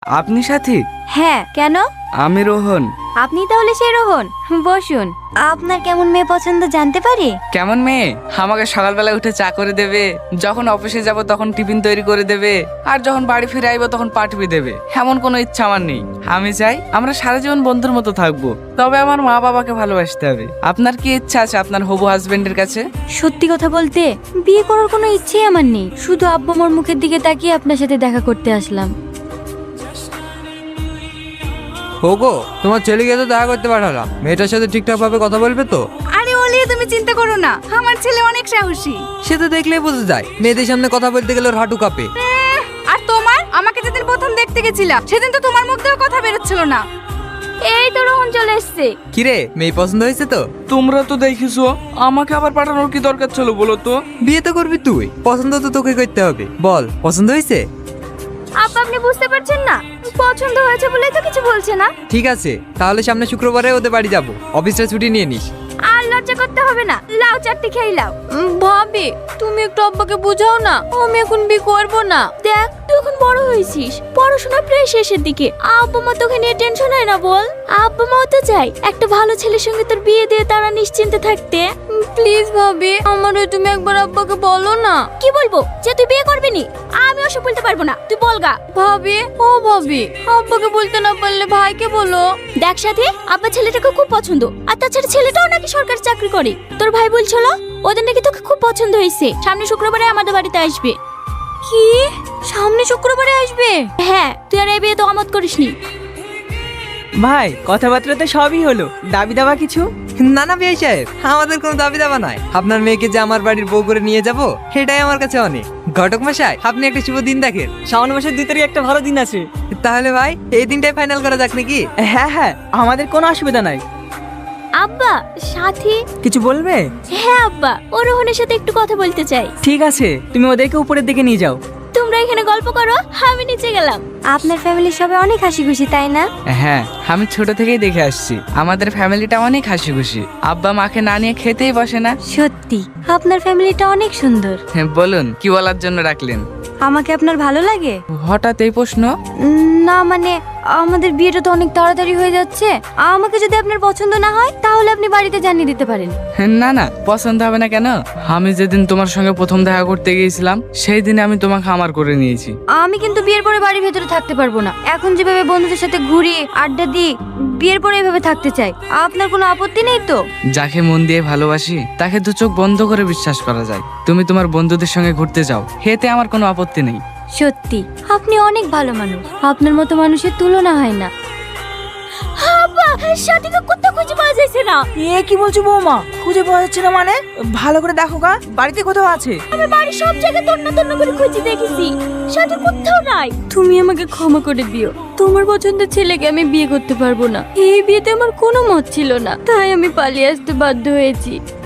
আপনি সাথী? হ্যাঁ, কেন? আমি রোহন। আপনি তাহলে সেই রোহন? বসুন। আপনার কেমন মেয়ে পছন্দ জানতে পারি? কেমন মেয়ে? আমাকে সকালবেলা উঠে চা করে দেবে, যখন অফিসে যাব তখন টিফিন তৈরি করে দেবে, আর যখন বাড়ি ফিরে আইব তখন পাঠিয়ে দেবে। এমন কোনো ইচ্ছা আমার নেই। আমি চাই আমরা সারা জীবন বন্ধুর মতো থাকবো, তবে আমার মা বাবাকে ভালোবাসতে হবে। আপনার কি ইচ্ছা আছে আপনার হবু হাজবেন্ডের কাছে? সত্যি কথা বলতে বিয়ে করার কোনো ইচ্ছেই আমার নেই, শুধু আব্বু আমার মুখের দিকে তাকিয়ে আপনার সাথে দেখা করতে আসলাম। ওগো, তোমার ছেলেকে তো দেখা করতে পাঠালাম, মেয়েটার সাথে ঠিকঠাক ভাবে কথা বলবে তো? আরে ওলি, তুমি চিন্তা করো না, আমার ছেলে অনেক সাহসী। সে তো দেখলেই বোঝা যায়, মেয়েদের সামনে কথা বলতে গেলে ওর হাঁটু কাঁপে। আর তোমার, আমাকে যেদিন প্রথম দেখতে গেছিলাম সেদিন তো তোমার মুখ দিয়ে কথা বেরোচ্ছিল না। এই তো রোহন চলে এসছে। কিরে, মেয়ে পছন্দ হয়েছে তো? তোমরা তো দেখিছো, আমাকে আবার পাঠানোর কি দরকার ছিল বলো তো? বিয়ে তো করবি তুই, পছন্দ তো তোকে করতে হবে। বল, পছন্দ হয়েছে? আপা, আপনি বুঝতে পারছেন না, পছন্দ হয়েছে বলেই তো কিছু বলছে না। ঠিক আছে, তাহলে সামনে শুক্রবারে ওদের বাড়ি যাব, অফিসটা ছুটি নিয়ে নিস। আর লজ্জা করতে হবে না, লাউ চারটি খেয়ে লাও। ভাবি, তুমি একটু আব্বাকে বুঝাও না, আমি এখন বিয়ে করবো না। দেখ, তুই এখন বড় হয়েছিস, পড়াশোনা প্রায় শেষের দিকে, আব্বা মা তোকে নিয়ে টেনশন হয় না বল? আব্বা মাও তো চাই একটা ভালো ছেলের সঙ্গে তোর বিয়ে দিয়ে তারা নিশ্চিন্তে থাকতে। প্লিজ ভাবি, আমারও তুমি একবার আব্বাকে বলো না। কি বলবো? যে তুই বিয়ে করবি নি? আমি ওসব বলতে পারবো না, তুই বলগা। ভাবি, ও ভাবি, আব্বাকে বলতে না পারলে ভাইকে বলো। দেখ সাথী, আব্বা ছেলেটাকে খুব পছন্দ, আর তাছাড়া ছেলেটাও নাকি সরকারি চাকরি করে। তোর ভাই বলছিল ওদের নাকি তোকে খুব পছন্দ হয়েছে, সামনে শুক্রবারে আমাদের বাড়িতে আসবে। কি? সামনে শুক্রবারে আসবে? হ্যাঁ, তুই আর এই বিয়ে তো আমত করিসনি। ভাই, কথাবার্তা তো সবই হলো, দাবি দাবা কিছু? না না বিয়ে সাহেব, আমাদের কোনো দাবি দাবা নাই। আপনার মেয়েকে যে আমার বাড়ির বউ করে নিয়ে যাব, সেটাই আমার কাছে অনেক। ঘটক মশাই, আপনি একটা শুভ দিন দেখেন। শ্রাবণ মাসের 2 তারিখ একটা ভালো দিন আছে। তাহলে ভাই, এই দিনটাই ফাইনাল করা যাক নাকি? হ্যাঁ হ্যাঁ, আমাদের কোনো অসুবিধা নাই। আব্বা, সাথী। কিছু বলবে? হ্যাঁ আব্বা, ও রোহনের সাথে একটু কথা বলতে চাই। ঠিক আছে, তুমি ওদেরকে উপরের দিকে নিয়ে যাও। তোমরা এখানে গল্প করো, আমি নিচে গেলাম। আপনার ফ্যামিলির সবাই অনেক হাসি খুশি, তাই না? হ্যাঁ, আমি ছোট থেকেই দেখে আসছি আমাদের ফ্যামিলিটা অনেক হাসি খুশি। আব্বা মাকে না নিয়ে খেতেই বসে না। সত্যি, আপনার ফ্যামিলিটা অনেক সুন্দর। হ্যাঁ, বলুন কি বলার জন্য রাখলেন? আমাকে আপনার ভালো লাগে? হঠাৎ এই প্রশ্ন? না মানে, আমাদের বিয়েটা তো অনেক তাড়াতাড়ি হয়ে যাচ্ছে, আমাকে যদি আপনার পছন্দ না হয় তাহলে আপনি বাড়িতে জানিয়ে দিতে পারেন। না না, পছন্দ হবে না কেন? আমি যেদিন তোমার সঙ্গে প্রথম দেখা করতে গিয়েছিলাম সেই দিনে আমি তোমাকে আমার করে নিয়েছি। আমি কিন্তু বিয়ের পরে বাড়ির ভেতরে থাকতে পারবো না। এখন যেভাবে বন্ধুদের সাথে ঘুরি, আড্ডা দিই, বিয়ের পরে এভাবে থাকতে চাই। আপনার কোনো আপত্তি নেই তো? যাকে মন দিয়ে ভালোবাসি তাকে দু চোখ বন্ধ করে বিশ্বাস করা যায়। তুমি তোমার বন্ধুদের সঙ্গে ঘুরতে যাও, এতে আমার কোনো আপত্তি নেই। সত্যি, আপনি অনেক ভালো মানুষ, আপনার মতো মানুষের তুলনা হয় না। সাথীকে কোথাও খুঁজে পাওয়া যাচ্ছে না। এ কি বলছো বৌমা? খুঁজে পাওয়া যাচ্ছে না মানে? ভালো করে দেখো গা, বাড়িতে কোথাও আছে। আমি বাড়ির সব জায়গায় তন্ন তন্ন করে খুঁজে দেখেছি, সাথী কোথাও নাই। তুমি আমাকে ক্ষমা করে দিও, তোমার পছন্দের ছেলেকে আমি বিয়ে করতে পারবো না। এই বিয়েতে আমার কোনো মত ছিল না, তাই আমি পালিয়ে আসতে বাধ্য হয়েছি।